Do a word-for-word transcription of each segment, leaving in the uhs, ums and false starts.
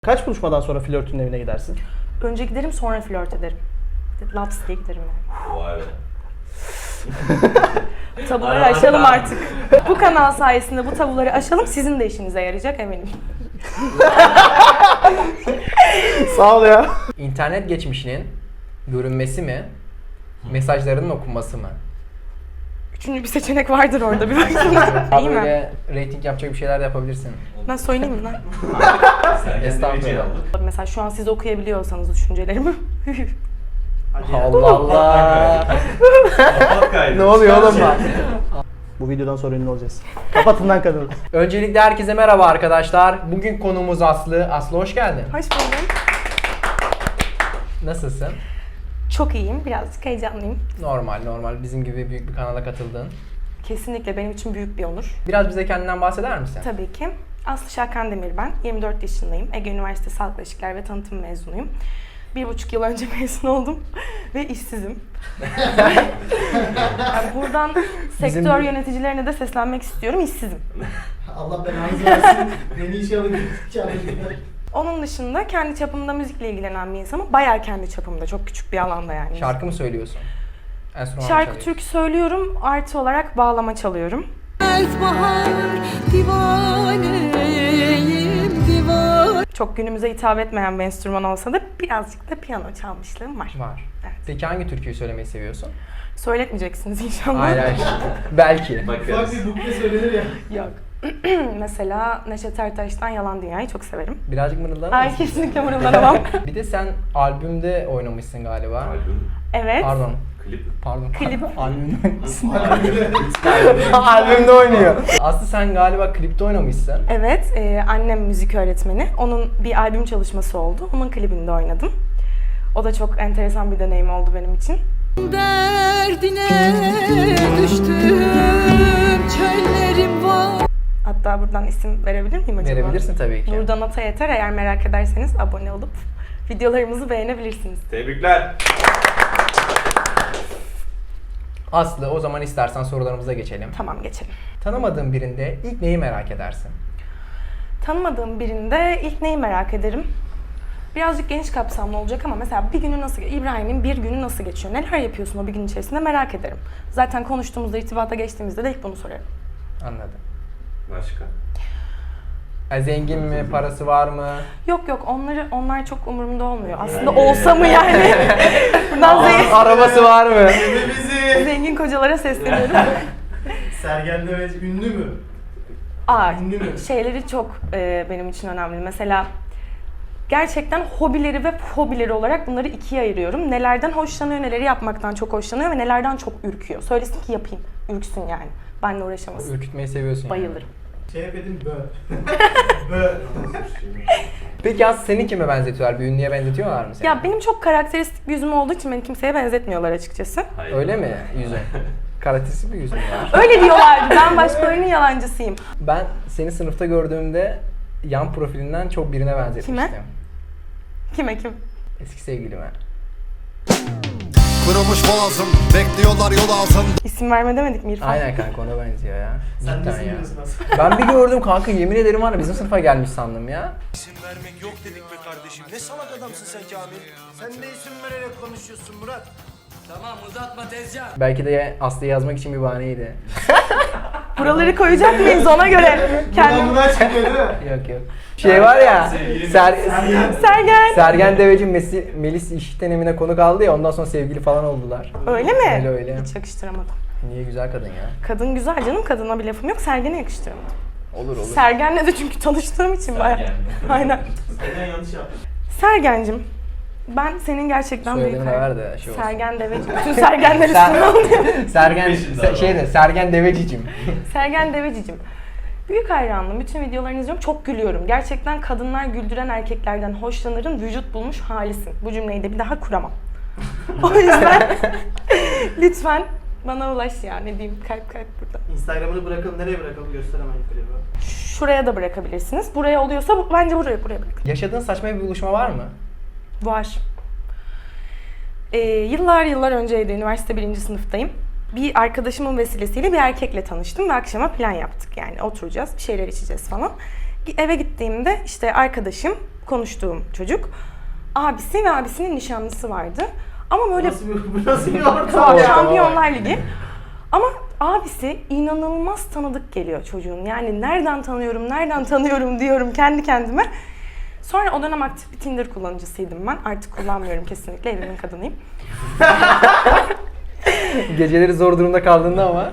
Kaç buluşmadan sonra flörtünün evine gidersin? Önce giderim, sonra flört ederim. Laps diye giderim yani. Vay be. Tabuları aşalım artık. Bu kanal sayesinde bu tabuları aşalım, sizin de işinize yarayacak eminim. Sağ ol ya. İnternet geçmişinin görünmesi mi, mesajlarının okunması mı? Üçüncü bir seçenek vardır orada, bir baksana. Daha İyi mi? böyle rating yapacak bir şeyler de yapabilirsin. Ben söyleyeyim mi lan? Estağfurullah. Mesela şu an siz okuyabiliyorsanız düşüncelerimi. Allah Allah. Kapat kaydı. Ne oluyor oğlum bak? Bu videodan sonra ünlü olacağız. Kapatın lan kadını. Öncelikle herkese merhaba arkadaşlar. Bugün konuğumuz Aslı. Aslı hoş geldin. Hoş buldum. Nasılsın? Çok iyiyim, birazcık heyecanlıyım. Normal normal. Bizim gibi büyük bir kanala katıldın. Kesinlikle benim için büyük bir onur. Biraz bize kendinden bahseder misin? Tabii ki. Aslı Şakan Demir ben. yirmi dört yaşındayım. Ege Üniversitesi Halk İlişkiler ve Tanıtım mezunuyum. Bir buçuk yıl önce mezun oldum ve işsizim. Yani buradan Bizim sektör bir- yöneticilerine de seslenmek istiyorum, işsizim. Allah belanızı versin. Beni işe alın. işe alın. Onun dışında kendi çapımda müzikle ilgilenen bir insanım. Bayağı kendi çapımda, çok küçük bir alanda yani. Şarkı mı söylüyorsun? Enstrüman mı Şarkı, çalıyorsun? türkü söylüyorum, artı olarak bağlama çalıyorum. Bahar divaneyim divan. Çok günümüze hitap etmeyen bir enstrüman olsa da birazcık da piyano çalmışlığım var. Var. Evet. Peki hangi türküyü söylemeyi seviyorsun? Söyletmeyeceksiniz inşallah. Hayır hayır. Belki. Ufak Bakarız. bir bukle söylenir ya. Yok. Mesela Neşet Ertaş'tan Yalan Dünya'yı çok severim. Birazcık mırıldanır Ay mısın? kesinlikle mırıldanamam. Bir de sen albümde oynamışsın galiba. Albüm, Evet. Pardon. klip. Pardon. Klip. Albümde oynamışsın. Albümde oynuyor. Aslı sen galiba klipte oynamışsın. Evet, e, annem müzik öğretmeni. Onun bir albüm çalışması oldu. Onun klibinde oynadım. O da çok enteresan bir deneyim oldu benim için. Derdine düştüm çöllerim var. Hatta buradan isim verebilir miyim acaba? Verebilirsin tabii ki. Nurdan Ata Yeter. Eğer merak ederseniz abone olup videolarımızı beğenebilirsiniz. Tebrikler. Aslı o zaman istersen sorularımıza geçelim. Tamam, geçelim. Tanımadığın birinde ilk neyi merak edersin? Tanımadığım birinde ilk neyi merak ederim? Birazcık geniş kapsamlı olacak ama mesela bir günü nasıl, İbrahim'in bir günü nasıl geçiyor? Neler yapıyorsun o bir gün içerisinde merak ederim. Zaten konuştuğumuzda, irtibata geçtiğimizde de ilk bunu sorarım. Anladım. Başka? Ya zengin mi, parası var mı? Yok yok, onları onlar çok umurumda olmuyor. Aslında olsa mı yani? Buradan zengin, Arabası var mı? Bizi. zengin kocalara sesleniyorum. Sergen Demez ünlü mü? Aa, Ünlü mü? şeyleri çok e, benim için önemli. Mesela gerçekten hobileri ve hobileri olarak bunları ikiye ayırıyorum. Nelerden hoşlanıyor, neleri yapmaktan çok hoşlanıyor ve nelerden çok ürküyor. Söylesin ki yapayım, ürksün yani. Benle uğraşamasın. Ürkütmeyi seviyorsun yani. Bayılırım. Şey yapayım bö. Bö. Peki Aslı seni kime benzetiyorlar? Bir ünlüye benzetiyorlar mı seni? Ya benim çok karakteristik bir yüzüm olduğu için beni kimseye benzetmiyorlar açıkçası. Hayır. Öyle mi yüzün? Karakteristik bir yüzün var. Öyle diyorlardı. Ben başkalarının yalancısıyım. Ben seni sınıfta gördüğümde yan profilinden çok birine benzetmiştim. Kime? Kime kim? Eski sevgilime. Kırılmış boğazım, bekliyorlar yol altında. İsim verme demedik mi İrfan? Aynen kanka ona benziyor ya. Sen Cidden nasıl ya. biliyorsun aslında? Ben bir gördüm kanka, yemin ederim var ya, bizim sınıfa gelmiş sandım ya. İsim vermek yok dedik be kardeşim. Ne salak adamsın sen Kamil. Sen de isim vererek konuşuyorsun Murat. Belki de Aslı'yı yazmak için bir bahaneydi. Buraları koyacak mıyız ona göre? Kendim... Bundan çıkıyor değil mi? Yok yok. Şey var ya, Ser Sergen. Sergen Deveci Messi, Melis İşten Emine konuk aldı ya, ondan sonra sevgili falan oldular. Öyle mi? Öyle öyle. Hiç yakıştıramadım. Niye, güzel kadın ya. Kadın güzel canım, kadına bir lafım yok. Sergen'e yakıştıramadım. Olur olur. Sergen'le de çünkü tanıştığım için bayağı. Aynen. Sergen yanlış yaptı. Sergen'cim, ben senin gerçekten büyük Söylediğini hayran- ver de şey olsun. Sergen Deveci. Bütün Sergenler Ser- üstüne oluyor. Sergen, Peşinde se- adam. şeyde, Sergen Devecicim. Sergen Devecicim. Büyük hayranım. Bütün videolarını izliyorum. Çok gülüyorum. Gerçekten kadınlar güldüren erkeklerden hoşlanırın. Vücut bulmuş halisin. Bu cümleyi de bir daha kuramam. O yüzden lütfen bana ulaş ya. Ne diyeyim, kalp kalp burada. Instagram'ını bırakalım. Nereye bırakalım? Göster hemen yukarıya. Şuraya da bırakabilirsiniz. Buraya oluyorsa bu- bence buraya buraya bırakın. Yaşadığın saçma bir buluşma var mı? Var. Ee, yıllar yıllar önceydi. Üniversite birinci sınıftayım. Bir arkadaşımın vesilesiyle bir erkekle tanıştım ve akşama plan yaptık. Yani oturacağız, bir şeyler içeceğiz falan. Eve gittiğimde işte arkadaşım konuştuğum çocuk. Abisi ve abisinin nişanlısı vardı. Ama böyle Nasıl bir, bu nasıl bir ortam Tamam, ya? Şampiyonlar Ligi. Ama abisi inanılmaz tanıdık geliyor çocuğun. Yani nereden tanıyorum, nereden tanıyorum diyorum kendi kendime. Sonra o dönem aktif bir Tinder kullanıcısıydım ben. Artık kullanmıyorum kesinlikle, evimin kadınıyım. Geceleri zor durumda kaldığında ama.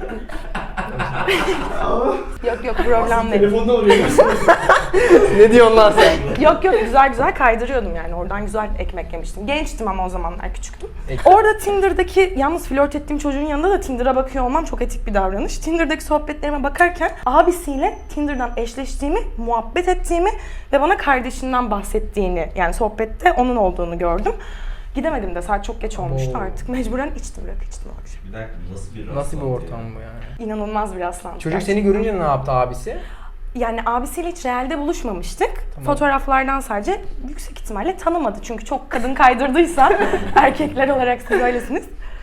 Yok yok, problem değil. Telefonda oluyor. Ne diyorsun lan sen? Yok yok, güzel güzel kaydırıyordum yani. Oradan güzel ekmek yemiştim. Gençtim ama o zamanlar, küçüktüm. Ek- Orada Tinder'daki, yalnız flört ettiğim çocuğun yanında da Tinder'a bakıyor olmam çok etik bir davranış. Tinder'daki sohbetlerime bakarken abisiyle Tinder'dan eşleştiğimi, muhabbet ettiğimi ve bana kardeşinden bahsettiğini, yani sohbette onun olduğunu gördüm. Gidemedim de, saat çok geç olmuştu Oo. artık. Mecburen içtim, rakı içtim o akşam. Bir dakika, nasıl bir Nasıl bir rastlantı ortam ya? bu yani? İnanılmaz bir rastlantı. Çocuk gerçekten. seni görünce ne yaptı abisi? Yani abisiyle hiç realde buluşmamıştık. Tamam. Fotoğraflardan sadece, yüksek ihtimalle tanımadı. Çünkü çok kadın kaydırdıysa erkekler olarak siz öylesiniz.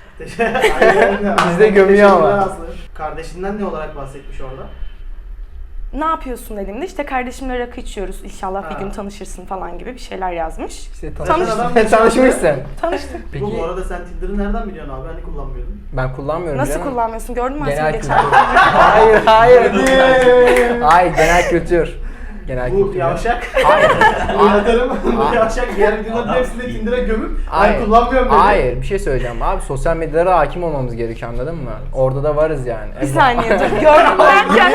Bizde gömüyor ama. Teşekkürler Aslı. Kardeşinden ne olarak bahsetmiş orada? Ne yapıyorsun dediğimde işte kardeşimle rakı içiyoruz, İnşallah Ha. bir gün tanışırsın falan gibi bir şeyler yazmış. İşte Tanış- tanış tanışmışsın. Tanıştık. Peki Bu arada sen Tinder'ı nereden biliyorsun abi? Hani kullanmıyordun. ben kullanmıyorum Nasıl canım. kullanmıyorsun? Gördün mü Genel Asil kültür. geçen? hayır hayır. hayır genel kültür. Genel Bu kültür. yavşak. Hayır. Anlatarım. Bu Hayır. yavşak diğer videoların Adam- hepsinde Tinder'a gömüp Hayır. ben kullanmıyorum dedi. Hayır bir şey söyleyeceğim abi, sosyal medyalara hakim olmamız gerekiyor, anladın mı? Orada da varız yani. Bir saniye dur. Gördüm derken.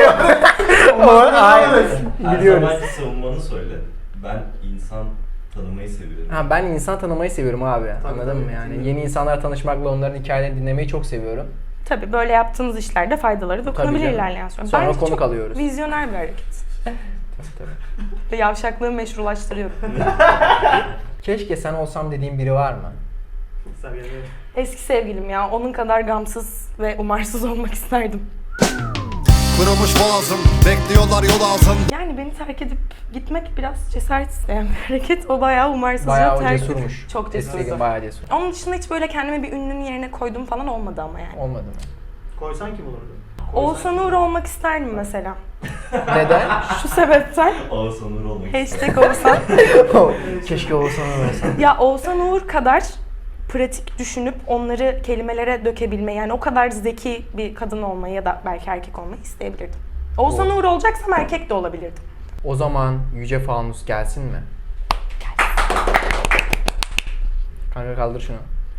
Hayır. Her Biliyoruz. zamanki savunmanı söyle. Ben insan tanımayı seviyorum. Ha, ben insan tanımayı seviyorum abi. Tabii, Anladın tabii. mı yani? Tabii. Yeni insanlarla tanışmakla onların hikayelerini dinlemeyi çok seviyorum. Tabii böyle yaptığınız işlerde faydaları dokunabilir canım. ilerleyen sonra. Sonra Bence konuk çok alıyoruz. vizyoner bir hareket. Tabii, tabii. Ve yavşaklığı meşrulaştırıyorum. Keşke sen olsam dediğin biri var mı? Sen gel. Eski sevgilim ya, onun kadar gamsız ve umarsız olmak isterdim. Kırılmış boğazım, bekliyorlar yol altında. Yani beni terk edip gitmek biraz cesaret isteyen bir hareket. O bayağı umarsızca Bayağı o terk cesurmuş. Çok Eski cesurdu. bayağı cesur. Onun dışında hiç böyle kendimi bir ünlünün yerine koyduğum falan olmadı ama yani. Olmadı mı? Koysan kim olurdu? Oğuzhan Uğur olmak isterdim mesela. Neden? Şu sebepten Oğuzhan Uğur olmak istedim. hashtag Oğuzhan. Keşke olsan olsan. Ya Oğuzhan Uğur kadar pratik düşünüp onları kelimelere dökebilmeyi, yani o kadar zeki bir kadın olmayı ya da belki erkek olmayı isteyebilirdim. Oğuzhan Uğur olacaksam erkek de olabilirdim. O zaman Yüce Fanus gelsin mi? Kanka kaldır şunu.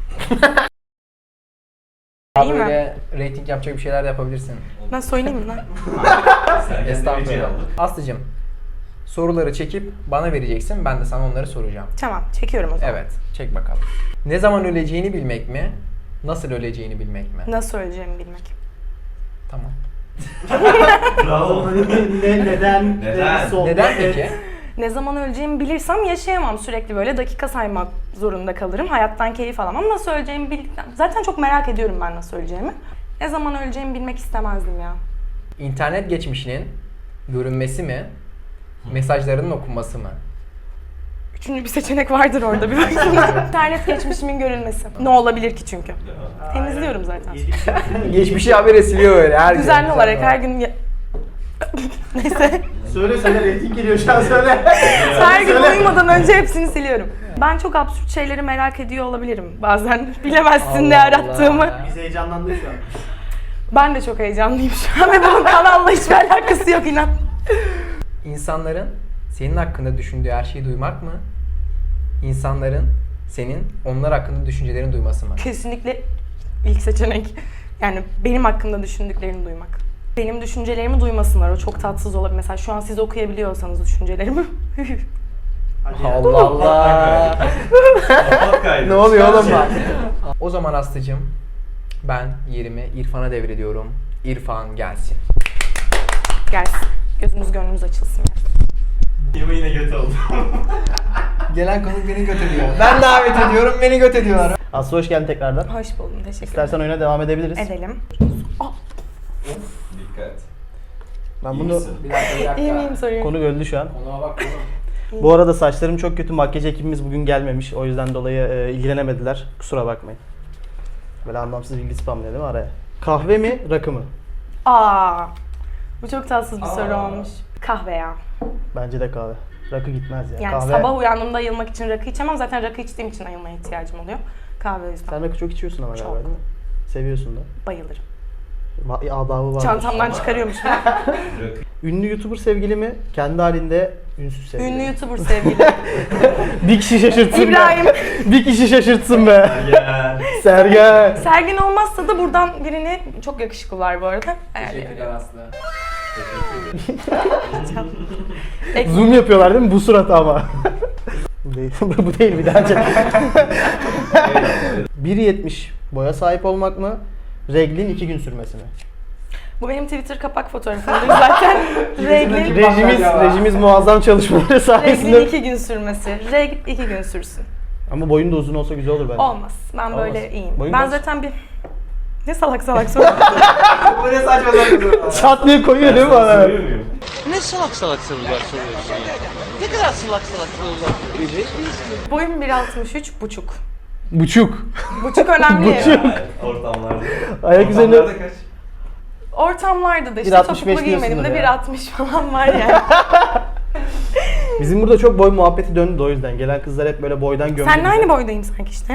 İyi mi? Böyle rating yapacak bir şeyler de yapabilirsin. Ben soyunayım mı lan? Sen kendine Estağfurullah. beceri aldın. Aslıcığım, soruları çekip bana vereceksin, ben de sana onları soracağım. Tamam, çekiyorum o zaman. Evet, çek bakalım. Ne zaman öleceğini bilmek mi? Nasıl öleceğini bilmek mi? Nasıl öleceğimi bilmek. Tamam. Bravo. ne, neden? Neden? sohbet Neden et. peki? Ne zaman öleceğimi bilirsem yaşayamam, sürekli böyle dakika saymak zorunda kalırım. Hayattan keyif alamam. Nasıl öleceğimi bildikten... Zaten çok merak ediyorum ben nasıl öleceğimi. Ne zaman öleceğimi bilmek istemezdim ya. İnternet geçmişinin görünmesi mi? Mesajlarının okunması mı? Üçüncü bir seçenek vardır orada, bir baksana. İnternet geçmişimin görülmesi. Ne olabilir ki çünkü? Temizliyorum zaten. Yedik şey. Geçmişi habire siliyor öyle her gün. Düzenli olarak her gün... ya- Neyse. Söyle söyle rating geliyor şu an söyle. Her gün Söyle. uyumadan önce hepsini siliyorum. Ben çok absürt şeyleri merak ediyor olabilirim bazen. Bilemezsin ne Allah arattığımı. Allah. Biz heyecanlandık şu an. Ben de çok heyecanlıyım şu an ve bunun kanalla hiçbir alakası yok, inan. İnsanların senin hakkında düşündüğü her şeyi duymak mı? İnsanların senin onlar hakkında düşüncelerini duyması mı? Kesinlikle ilk seçenek. Yani benim hakkımda düşündüklerini duymak. Benim düşüncelerimi duymasınlar, o çok tatsız olabilir. Mesela şu an siz okuyabiliyorsanız düşüncelerimi. Hadi ya. Allah Allah. Kapat kaydı. Ne oluyor oğlum bak? O zaman Aslı'cığım ben yerimi İrfan'a devrediyorum. İrfan gelsin. Gelsin. Gözünüz gönlünüz açılsın. Yeme yine göt oldu. Gelen konuk beni göt ediyor. Ben davet ediyorum, beni göt ediyorlar. Aslı hoş geldin tekrardan. Hoş buldum, teşekkür ederim. İstersen oyuna devam edebiliriz. Edelim. Dikkat. Ben İyi bunu misin? Bir dakika, bir dakika. İyi miyim soruyorum. konu öldü şu an. Konuğa bak oğlum. Bu arada saçlarım çok kötü. Makyaj ekibimiz bugün gelmemiş. O yüzden dolayı e, ilgilenemediler. Kusura bakmayın. Böyle anlamsız bilgi spamlıyor değil mi araya? Kahve mi, rakı mı? Aa, bu çok tatsız bir soru Aa. olmuş. Kahve ya. Bence de kahve. Rakı gitmez ya. Yani Kahve. sabah uyandığımda ayılmak için rakı içemem. Zaten rakı içtiğim için ayılmaya ihtiyacım oluyor. Kahve o yüzden. Sen rakı çok içiyorsun ama Çok. galiba değil mi? Seviyorsun da. Bayılırım. Va- Adabı var. Çantamdan çıkarıyormuşum. Ünlü YouTuber sevgili mi? Kendi halinde ünsüz sevgili Ünlü mi? YouTuber sevgili. Bir kişi şaşırtsın İbrahim. be. Bir kişi şaşırtsın be. Gel. Sergen. Sergin olmazsa da buradan birini, çok yakışıklılar bu arada. Teşekkürler Aslı. Ek- Zoom yapıyorlar değil mi? Bu surat ama. Bu değil, bu değil bir daha çek. bir yetmiş boya sahip olmak mı? Reglin iki gün sürmesi mi? Bu benim Twitter kapak fotoğrafımdır zaten. Reglin, Rejimiz, rejimiz muazzam çalışmaları reglin sayesinde. iki gün sürmesi. Regl iki gün sürsün. Ama boyun da uzun olsa güzel olur bence. Olmaz. Ben böyle Olmaz. iyiyim. Boyun ben kaç? zaten bir... Ne salak salak soruyorsun. Bu ne saçma sapan. Çat diye koyuyor değil mi bana? Söylüyor muyum? Ne salak salak sorular soruyorsun ya? Ne kadar salak salak sorular soruyorsun? Boyum bir altmış üç buçuk. Buçuk. Buçuk önemli. Buçuk. Yani ortamlarda. Ayak üzerine... Ortamlarda kaç? Ortamlarda da işte bir altmış beş topuklu giymedim de diyorsundur bir ya. altmış falan var yani. Bizim burada çok boy muhabbeti döndü de o yüzden. Gelen kızlar hep böyle boydan gömdü Seninle bizi. aynı boydayım sanki işte.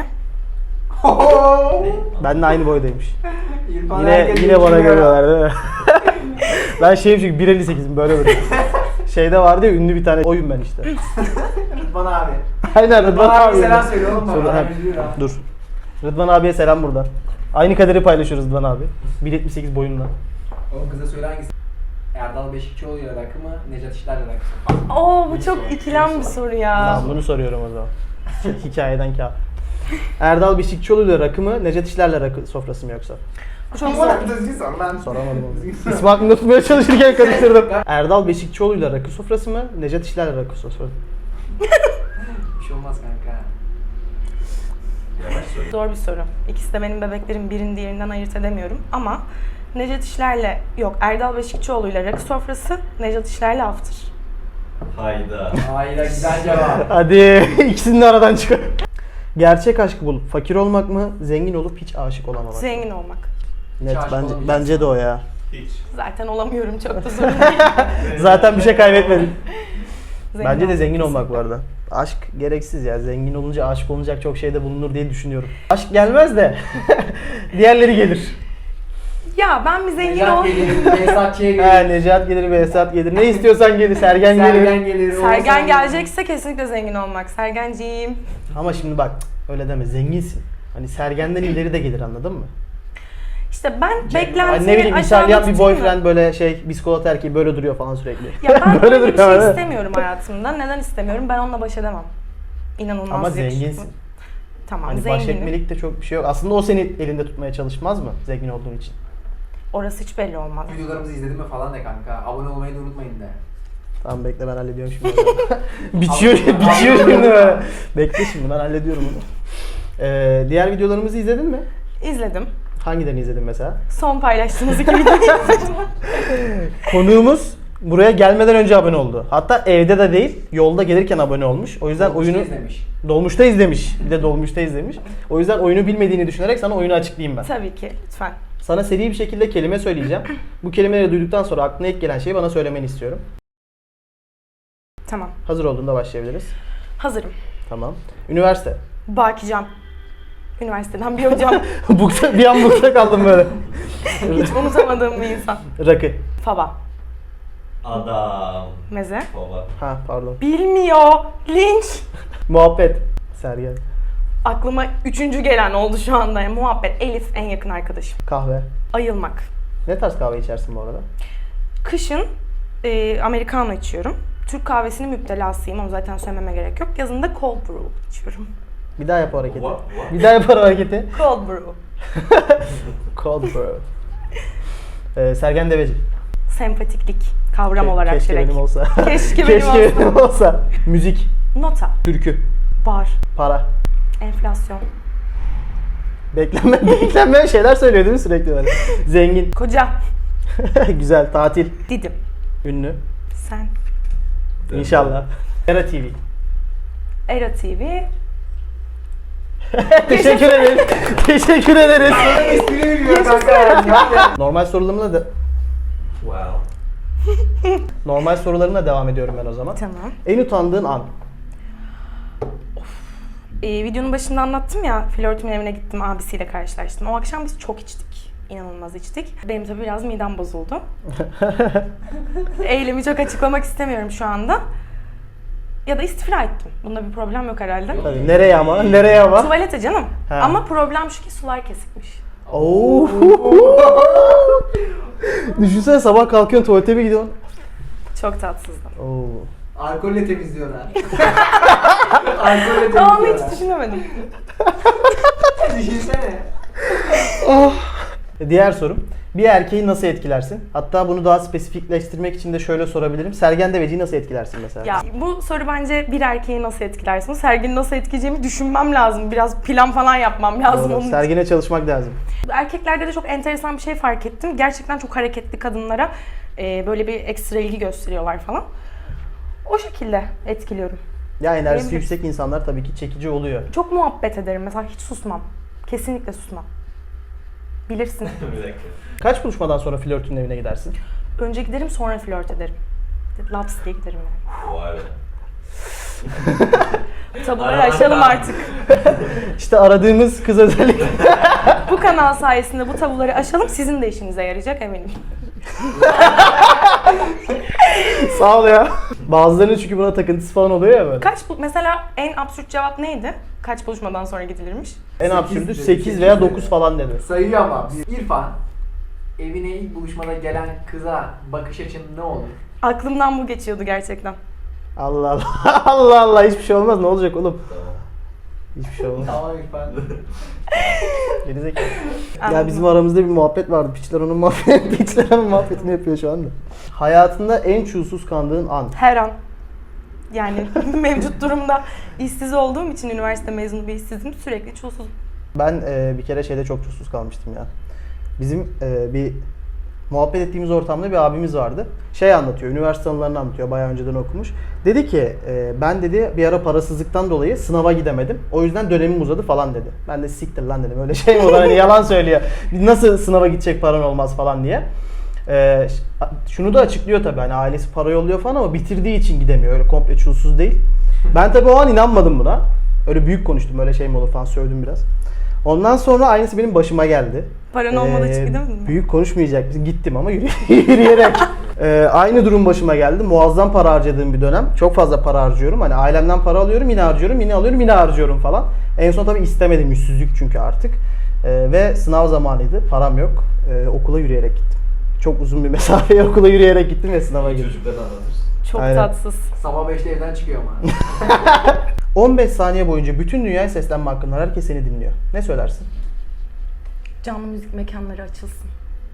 Ben de aynı boydaymış. İrfan Yine herkes yine bana geçiyor. görüyorlar değil mi? Ben şeyim çünkü bir elli sekizim böyle böyle. Şeyde vardı ya ünlü bir tane oyun ben işte. Rıdvan abi. Aynen Rıdvan Rıdvan abi abi. selam söyle oğlum Söyle, bana. ha, Üzülüyor ha. Dur. Rıdvan abiye selam buradan. Aynı kaderi paylaşıyoruz Rıdvan abi. bir yetmiş sekiz boyunla. Oğlum kıza söyle hangisi? Erdal Beşikçioğlu'yla rakı mı? Necat İşler'le rakı mı? Oo bu çok ikilem bir soru ya. Ben bunu soruyorum o zaman. Şey, hikayeden kağıt. Erdal Beşikçioğlu'yla rakı mı? Necdet İşler'le rakı sofrası mı yoksa? Bu çok zor. Düzgün sor lan. Soramadım onu. İsmi aklımda tutmaya çalışırken karıştırdım. Erdal Beşikçioğlu'yla rakı sofrası mı? Necdet İşler'le rakı sofrası mı? Bir şey olmaz kanka. Yavaş söyle. Zor bir soru. İkisi de benim bebeklerim, birini diğerinden ayırt edemiyorum ama Necdet İşler'le, yok Erdal Beşikçioğlu'yla rakı sofrası, Necdet İşler'le after. Hayda. Hayır güzel cevap. Hadi ikisini de aradan çıkar. Gerçek aşkı bulup fakir olmak mı? Zengin olup hiç aşık olamamak mı? Zengin olmak. Net aşık bence, olamayacaksın. bence de o ya. Hiç. Zaten olamıyorum, çok da sorun değil. Zaten bir şey kaybetmedin. Zengin Bence de olmak zengin olmak bu kesinlikle. arada. Aşk gereksiz ya. Zengin olunca aşık olunacak çok şeyde bulunur diye düşünüyorum. Aşk gelmez de diğerleri gelir. Ya ben bir zengin Necat ol. gelir, Behzatçı'ya Ha, gelir. Necat gelir, Behzat gelir. Ne istiyorsan gelir. Sergen, Sergen gelir. gelir. Oğuzhan Sergen gelir. gelecekse kesinlikle zengin olmak. Sergenciğim. Ama şimdi bak öyle deme. Zenginsin. Hani Sergen'den ileri de gelir anladın mı? İşte ben Hani beklentimi ne bileyim aşağıda İtalyan bir tutayım mı? boyfriend böyle şey biskolata erkeği böyle duruyor falan sürekli. Ya ben Böyle böyle bir duruyor, şey evet. istemiyorum hayatımda. Neden istemiyorum? Ben onunla baş edemem. İnanılmaz Ama yakışıklı. zenginsin. Tamam, Hani baş zenginim. etmelik de çok bir şey yok. Aslında o seni elinde tutmaya çalışmaz mı zengin olduğun için? Orası hiç belli olmaz. Videolarımızı izledin mi falan de kanka. Abone olmayı da unutmayın de. Tamam bekle ben hallediyorum şimdi. biçiyor, biçiyor şimdi böyle. Bekle şimdi ben hallediyorum onu. Ee, diğer videolarımızı izledin mi? İzledim. Hangilerini izledin mesela? Son paylaştığınız iki videoyu izledim. Konuğumuz buraya gelmeden önce abone oldu. Hatta evde de değil, yolda gelirken abone olmuş. O yüzden Dolmuşta oyunu izlemiş. dolmuşta izlemiş. Bir de dolmuşta izlemiş. O yüzden oyunu bilmediğini düşünerek sana oyunu açıklayayım ben. Tabii ki, lütfen. Sana seri bir şekilde kelime söyleyeceğim. Bu kelimeleri duyduktan sonra aklına ilk gelen şeyi bana söylemeni istiyorum. Tamam. Hazır olduğunda başlayabiliriz. Hazırım. Tamam. Üniversite. Bakican. Üniversiteden bir hocam. Bukta, bir an bukta kaldım böyle. Hiç unutamadığım bir insan. Rakı. Faba. Adam. Meze. Baba. Ha pardon. Bilmiyor. Linç. Muhabbet. Sergen. Aklıma üçüncü gelen oldu şu anda. Yani muhabbet. Elif en yakın arkadaşım. Kahve. Ayılmak. Ne tarz kahve içersin bu arada? Kışın e, Americano içiyorum. Türk kahvesinin müptelasıyım. Onu zaten söylememe gerek yok. Yazın da cold brew içiyorum. Bir daha yap o hareketi. What? What? Bir daha yap o hareketi. Cold brew. Cold brew. Ee, Sergen Deveci. Sempatiklik kavram Ke- olarak Keşke direkt. benim olsa. Keşke benim Keşke olsa. benim olsa. Müzik. Nota. Türkü. Bar. Para. Enflasyon. Beklenme, beklenmeyen şeyler söylüyor değil mi sürekli böyle? Zengin. Koca. Güzel. Tatil. Didim. Ünlü. Sen. İnşallah. Era T V. Era T V. Teşekkür ederiz. Teşekkür ederiz. Espri biliyor kanka. Normal sorularımla da Wow. Normal sorularımla devam ediyorum ben o zaman. Tamam. En utandığın an. Ee, videonun başında anlattım ya, flörtümün evine gittim, abisiyle karşılaştım. O akşam biz çok içtik. İnanılmaz içtik. Benim tabii biraz midem bozuldu. Eylemi çok açıklamak istemiyorum şu anda. Ya da istifra ettim. Bunda bir problem yok herhalde. Tabii, nereye ama? Nereye ama? Tuvalete canım. Ha. Ama problem şu ki sular kesikmiş. Oo. Düşünsene sabah kalkıyorsun tuvalete mi gidiyorsun? Çok tatsızdı. Oo. Alkolle temizliyorlar. Alkolle Tamam, hiç temizliyorlar. düşünemedim. Düşünsene. Diğer sorum. Bir erkeği nasıl etkilersin? Hatta bunu daha spesifikleştirmek için de şöyle sorabilirim. Sergen Deveci'yi nasıl etkilersin mesela? Ya bu soru bence bir erkeği nasıl etkilersin? Sergini nasıl etkileyeceğimi düşünmem lazım. Biraz plan falan yapmam lazım Doğru. onun için. Sergine çalışmak lazım. Erkeklerde de çok enteresan bir şey fark ettim. Gerçekten çok hareketli kadınlara e, böyle bir ekstra ilgi gösteriyorlar falan. O şekilde etkiliyorum. Ya enerjisi Benim- yüksek insanlar tabii ki çekici oluyor. Çok muhabbet ederim mesela, hiç susmam. Kesinlikle susmam. Bilirsin. Bir dakika. Kaç buluşmadan sonra flörtünün evine gidersin? Önce giderim, sonra flört ederim. Laps diye giderim yani. Vay be. Tabuları Aradan aşalım daha- artık. İşte aradığımız kız özellikle. Bu kanal sayesinde bu tabuları aşalım, sizin de işinize yarayacak eminim. Sağ ol ya. Bazılarının çünkü buna takıntısı falan oluyor ya böyle. Kaç bu mesela en absürt cevap neydi? Kaç buluşmadan sonra gidilirmiş? En Sekiz absürdü dedi, sekiz sekiz veya dedi. dokuz falan dedi. Sayıyor ama. İrfan, evine ilk buluşmada gelen kıza bakış açın ne olur? Aklımdan bu geçiyordu gerçekten. Allah Allah. Allah Allah, hiçbir şey olmaz. Ne olacak oğlum? Hiçbir şey olmaz. Tamam İrfan. Gerizekalı. Ya Anladım. bizim aramızda bir muhabbet vardı. Piçler onun muhabbet, piçler onun muhabbetini yapıyor şu anda. Hayatında en çulsuz kandığın an. Her an. Yani mevcut durumda işsiz olduğum için, üniversite mezunu bir işsizim, sürekli çulsuzum. Ben e, bir kere şeyde çok çulsuz kalmıştım ya. Bizim e, bir muhabbet ettiğimiz ortamda bir abimiz vardı. Şey anlatıyor, üniversite anılarını anlatıyor, bayağı önceden okumuş. Dedi ki, e, ben dedi bir ara parasızlıktan dolayı sınava gidemedim. O yüzden dönemim uzadı falan dedi. Ben de siktir lan dedim, öyle şey mi olur, hani yalan söylüyor. Nasıl sınava gidecek paran olmaz falan diye. E, şunu da açıklıyor tabii, hani ailesi para yolluyor falan ama bitirdiği için gidemiyor. Öyle komple çulsuz değil. Ben tabii o an inanmadım buna. Öyle büyük konuştum, öyle şey mi olur falan, sövdüm biraz. Ondan sonra aynısı benim başıma geldi. Paran olmadığı için Ee, gidemedin mi? Büyük konuşmayacak. Gittim ama yürü- yürüyerek. Ee, aynı durum başıma geldi. Muazzam para harcadığım bir dönem. Çok fazla para harcıyorum. Hani ailemden para alıyorum, yine harcıyorum, yine alıyorum, yine harcıyorum falan. En son tabii istemedim. Yüzsüzlük çünkü artık. Ee, ve sınav zamanıydı. Param yok. Ee, okula yürüyerek gittim. Çok uzun bir mesafeye okula yürüyerek gittim ve sınava girdim. Çocuklarına anlatırsın. Çok Aynen. tatsız. Sabah beşte evden çıkıyor ama. on beş saniye boyunca bütün dünyaya seslenme hakkın var. Herkes seni dinliyor. Ne söylersin? Canlı müzik mekanları açılsın.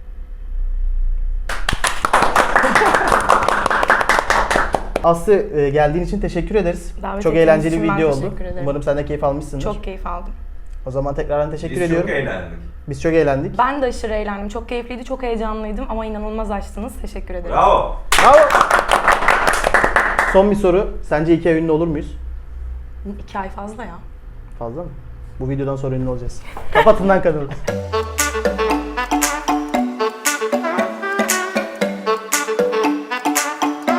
Aslı, e, geldiğin için teşekkür ederiz. Davet Çok ettiğiniz eğlenceli için bir ben video oldu. teşekkür ederim. Umarım sen de keyif almışsındır. Çok keyif aldım. O zaman tekrardan teşekkür Biz ediyorum. çok eğlendik. Biz çok eğlendik. Ben de aşırı eğlendim. Çok keyifliydi, çok heyecanlıydım ama inanılmaz açtınız. Teşekkür ederim. Bravo. Bravo. Son bir soru. Sence iki ay ünlü olur muyuz? İki ay fazla ya. Fazla mı? Bu videodan sonra ünlü olacağız. Kapatın lan kanalı.